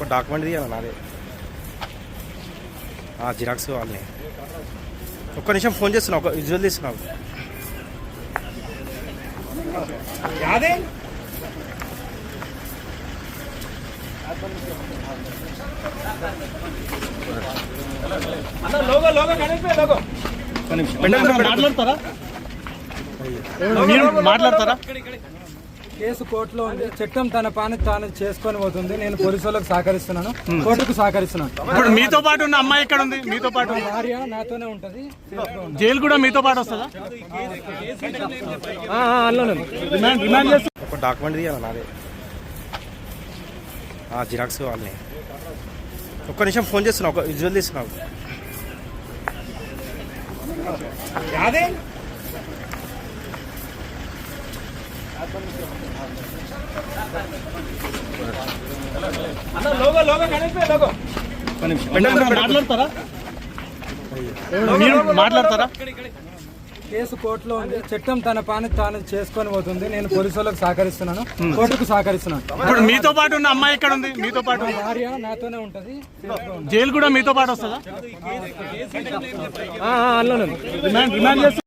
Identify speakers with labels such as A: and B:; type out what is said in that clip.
A: Document తీయాలి నాదే xerox వాళ్ళని ఒక్క నిమిషం ఫోన్ చేస్తున్నా ఒక విజువల్ తీస్తున్నావు
B: మాట్లాడతారా? కేసు కోర్టులో ఉంది. చట్టం తన పని తాను చేసుకొని పోతుంది. నేను పోలీసులకు సహకరిస్తున్నాను, కోర్టుకు సహకరిస్తున్నాను.
C: ఇప్పుడు మీతో పాటు ఉన్న అమ్మాయి ఎక్కడ ఉంది? మీతో పాటు
B: భార్య నాతోనే ఉంటది.
C: జైలు కూడా మీతో పాటు వస్తుందా?
A: ఒక డాక్యుమెంట్ తీయాలి నాదే జిరాక్స్ వాళ్ళని ఒక్క నిమిషం ఫోన్ చేస్తున్నా ఒక విజువల్ తీస్తున్నావు
C: మాట్లాడతారా?
B: కేసు కోర్టులో ఉంది. చట్టం తన పని తాను చేసుకొని పోతుంది. నేను పోలీసులకు సహకరిస్తున్నాను, కోర్టుకు సహకరిస్తున్నాను.
C: ఇప్పుడు మీతో పాటు ఉన్న అమ్మాయి ఎక్కడ ఉంది? మీతో పాటు
B: భార్య నాతోనే ఉంటది.
C: జైలు కూడా మీతో పాటు వస్తుందా?